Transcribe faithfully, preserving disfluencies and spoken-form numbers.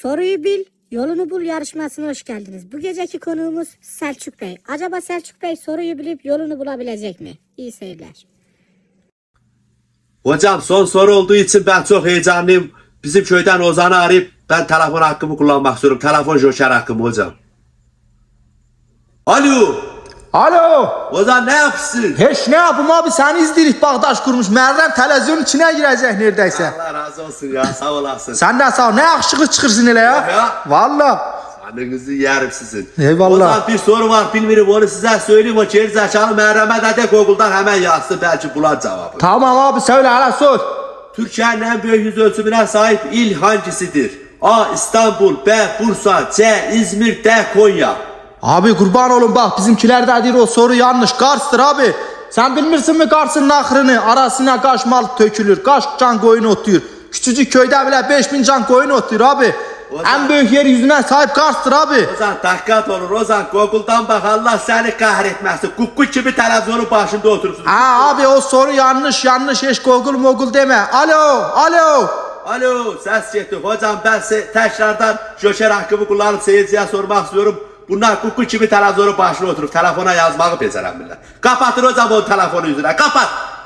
Soruyu bil, yolunu bul yarışmasına hoş geldiniz. Bu geceki konuğumuz Selçuk Bey. Acaba Selçuk Bey soruyu bilip yolunu bulabilecek mi? İyi seyirler. Hocam son soru olduğu için ben çok heyecanlıyım. Bizim köyden Ozan'ı arayıp ben telefon hakkımı kullanmak istiyorum. Telefon joker hakkımı hocam. Alo. Alo. Ozan ne yapsın? Hiç ne yapayım abi, seni izleyirik, bağdaş kurmuş. Meğersem televizyonun içine girecek neredeyse. Allah razı olsun ya, sağ olasın. Senden sağ ol. Ne yakışıklı çıkırsın hele ya. Ya. Valla. Canınızı yerim sizin. Eyvallah. Ozan bir soru var bilmiyorum, onu size söyleyeyim. O gerizekalı Meryem'e de de Google'dan hemen yazsın, belki bular cevabı. Tamam abi, söyle hele sor. Türkiye'nin en büyük yüz ölçümüne sahip il hangisidir? A. İstanbul, B. Bursa, C. İzmir, D. Konya. Abi kurban olun, bak bizimkiler de diyor o soru yanlış. Kars'tır abi. Sen bilmirsin mi Kars'ın nahrını? Arasına kaç mal tökülür. Kaç can koyun otuyor. Küçücük köyde bile beş bin can koyun otuyor abi. Ozan. En büyük yeryüzüne sahip Kars'tır abi. Ozan dikkat olur Ozan, Google'dan bak, Allah seni kahretmesin. Kukku gibi televizyonun başında oturursun. Ha abi, o soru yanlış yanlış, hiç Google mogul deme. Alo alo. Alo, ses gitti. Hocam ben se tekrardan joker hakkımı kullanıp seyirciye sormak istiyorum. Bunlar kukku gibi televizyonun başına oturup telefona yazmağı beceremiyorlar. Kapatın hocam o telefonu yüzüne, kapat.